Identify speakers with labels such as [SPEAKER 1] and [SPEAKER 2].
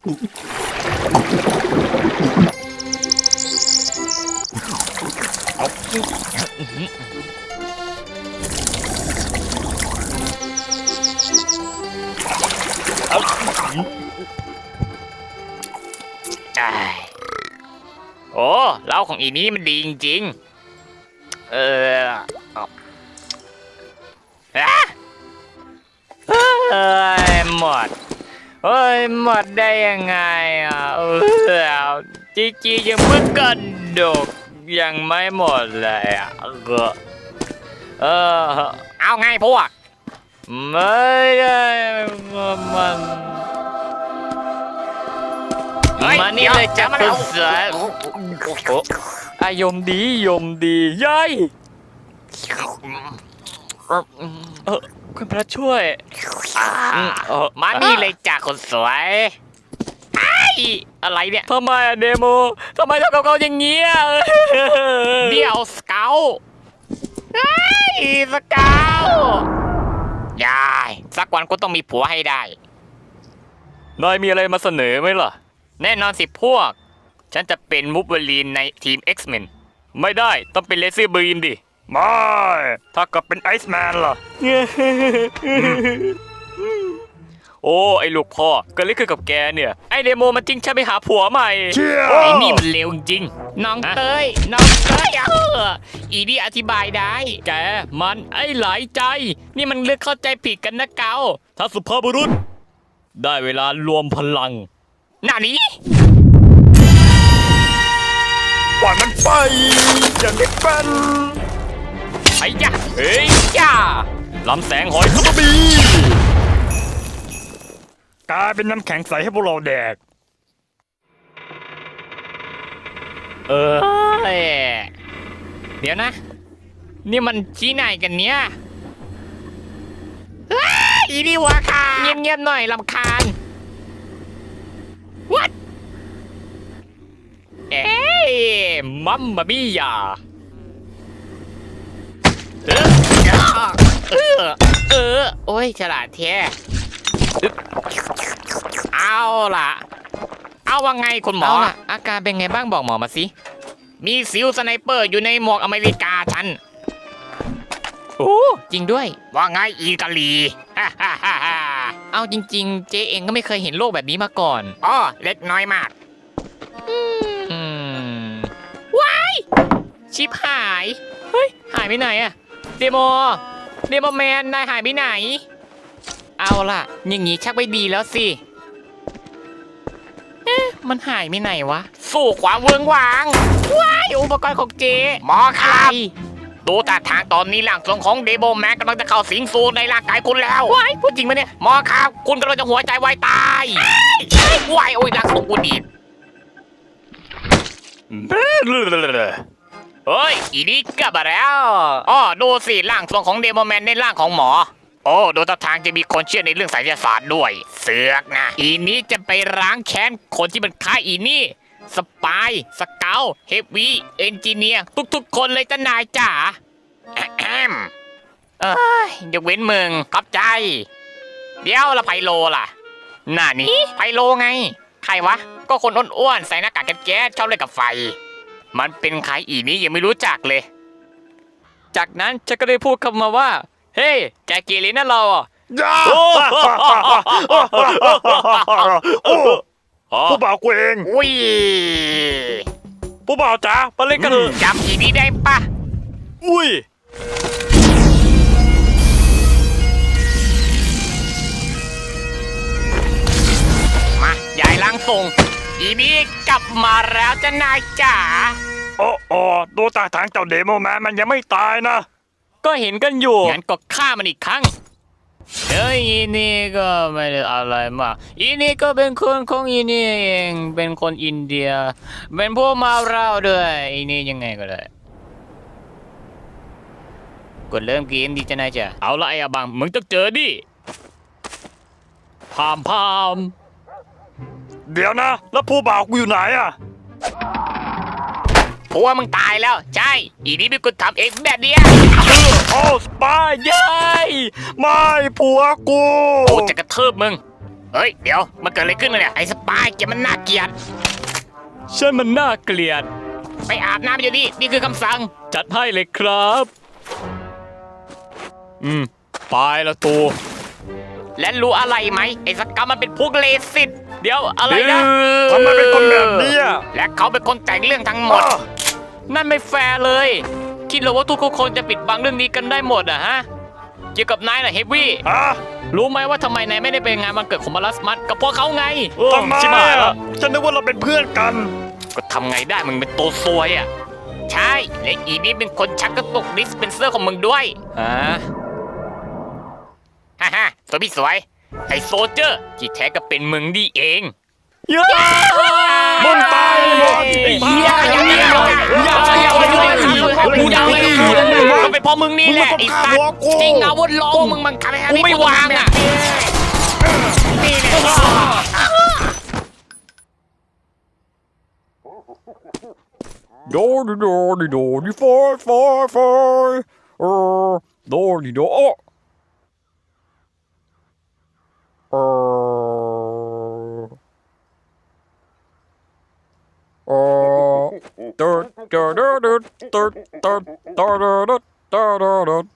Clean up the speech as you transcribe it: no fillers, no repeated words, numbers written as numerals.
[SPEAKER 1] โอ้เหล้าของอีนี้มันดีจริงๆหมดหมดได้ยังไงอ่ะจียังเพิ่งกระดกยังไม่หมดเลยอ่ะเอาไงพวกไม่ได้มานี่เลยจับคนเสืออยมดียัยคุณพระช่วยมานี่เลยจ้ะคนสวยอะไรเนี่ยทำไมอะเดโมทำไมทำกับเขาอย่างเงี้ยเดี๋ยวสเกลสเกลยายสักวันกูต้องมีผัวให้ได้นายมีอะไรมาเสนอไหมล่ะแน่นอนสิพวกฉันจะเป็นมูฟเวอรีนในทีม X-Men ไม่ได้ต้องเป็นเลเซอร์บีมดิไม่ถ้ากับเป็นไอซ์แมนล่ะ โอ้ไอ้ลูกพ่อเกิดอะไรขึ้นกับแกเนี่ยไอเดโมมันจริงใช่ไปหาผัวใหม่ไอ้นี่มันเลวจริงน้องเต้ยอีนี่อธิบายได้แกมันไอ้หลายใจนี่มันเลือกเข้าใจผิดกันนะเกาถ้าสุภาพบุรุษได้เวลารวมพลังหน้านี้ปล่อยมันไปอย่างที่เป็นไอ้ยะเฮ้ยจ้าลำแสงหอยซุปเปอร์บีกลายเป็นน้ำแข็งใสให้พวกเราแดกเดี๋ยวนะนี่มันชี้ไหนกันเนี่ยอีนี่วะค่ะเงียบๆหน่อยรำคาญ What มัมมาบี้ยาโอ้ยฉลาดแท้เอาล่ะเอาว่าไงคุณหมออาการเป็นไงบ้างบอกหมอมาสิมีซิลสไนเปอร์อยู่ในหมวกอเมริกาฉันโอ้จริงด้วยว่าไงอีกาลีเอาจริงๆเจ๊เองก็ไม่เคยเห็นโลกแบบนี้มาก่อนอ๋อเล็กน้อยมากว้ายชิบหายเฮ้ยหายไปไหนอะเดโมแมนนายหายไปไหนเอาล่ะอย่างงี้ชักไม่ดีแล้วสิมันหายไปไหนวะสู้ความเวิงวางว้ายอุปกรณ์ของเจหมอครับดูท่าทางตอนนี้ร่างทรงของเดโมแมนกำลังจะเข้าสิงสู่ในร่างกายคุณแล้วว้ายพูดจริงไหมเนี่ยหมอครับคุณกำลังจะหัวใจวายตายว้ายโอ้ยร่างทรงกูดีเฮ้ยอีนี่กลับมาแล้วอ๋อดูสิร่างทรงของเดโมแมนในร่างของหมอโอ้ดูท่าทางจะมีคนเชื่อในเรื่องไสยศาสตร์ด้วยเสือกนะอีนี้จะไปล้างแค้นคนที่มันฆ่าอีนี่สปายสเกลเฮฟวี่เอนจิเนียร์ทุกๆคนเลยจ้านายจ๋ายกเว้นมึงขอบใจเดี๋ยวละไพโลล่ะน่านี่ไพโลไงใครวะก็คนอ้วนๆใส่หน้ากากแก๊สชอบเล่นกับไฟมันเป็นใครอีนี้ยังไม่รู้จักเลยจากนั้นฉันก็ได้พูดคำมาว่าเฮ้แกเกเรนะเราอ่ะ
[SPEAKER 2] ผู้บ่าวกูเอง
[SPEAKER 1] อุ้ย
[SPEAKER 2] ผู้บ่าวจ๋ามาเล่นกันเถอะ
[SPEAKER 1] จำอีนี้ได้ปะ
[SPEAKER 2] อุ้ย
[SPEAKER 1] มายายล้างทรงอีนี้กลับมาแล้วจ้านายจ๋า
[SPEAKER 2] โอ้ดูท่าทางเจ้าเดโมแมนมันยังไม่ตายนะ
[SPEAKER 1] ก็เห็นกันอยู่งั้นก็ฆ่ามันอีกครั้งอีนี่ก็ไม่ได้อะไรมากอีนี่ก็เป็นคนของอีนี่เองเป็นคนอินเดียเป็นพวกมาเราด้วยอีนี่ยังไงก็ได้กดเริ่มเกมดีจะนายจ้ะเอาละไอ้บังมึงต้องเจอดิพาม
[SPEAKER 2] เดี๋ยวนะแล้วผู้บ่าวกูอยู่ไหนอะ
[SPEAKER 1] ผัวมึงตายแล้วใช่อีนี่เป็นคนทำเองแบบเนี้ย
[SPEAKER 2] โอ้สปายยัยไม่ผัวกู
[SPEAKER 1] กูจะกระทืบมึงเฮ้ยเดี๋ยวมันเกิดอะไรขึ้นเนี่ยไอ้สปายแกมันน่าเกลียดฉันมันน่าเกลียดไปอาบน้ำอยู่นี่คือคำสั่งจัดให้เลยครับไปละตูและรู้อะไรไหมไอ้สกรรมมันเป็นพวกเลสิตเดี๋ยวอะไรนะ
[SPEAKER 2] ทำไมเป็นคนแบบนี้อะ
[SPEAKER 1] และเขาเป็นคนแต่งเรื่องทั้งหมด นั่นไม่แฟร์เลยคิดเหรอว่าทุกคนจะปิดบังเรื่องนี้กันได้หมดอะฮะเกี่ยวกับนายน่ะเฮฟวี่
[SPEAKER 2] ฮะ
[SPEAKER 1] รู้ไหมว่าทำไมนายไม่ได้ไปงานวันเกิดของมารัสมัสกับพวกเขาไง
[SPEAKER 2] ทำไม
[SPEAKER 1] ชิบหาย
[SPEAKER 2] อะ
[SPEAKER 1] แล้ว
[SPEAKER 2] ฉันนึกว่าเราเป็นเพื่อนกัน
[SPEAKER 1] ก็ทำไงได้มึงเป็นตัวซวยอะใช่และอีนี่เป็นคนชักกระตุกดิสเพนเซอร์ของมึงด้วยฮ่าตัวพี่สวยไอ้โซเจอร์ที่แท้ก็เป็นมึงดีเอง
[SPEAKER 2] มึงตายหมด
[SPEAKER 1] ก็เป็นเพราะมึงนี่แหละไอ้สัตว์จริงอาวุธลงมึงมันทำให้กูไม่วางอ่ะนี่แหละ
[SPEAKER 3] โดดิโดดิโดดิฟอยฟอยฟอยโดดิโดตืดตืดตืดตืดตืดตืดตืดตืด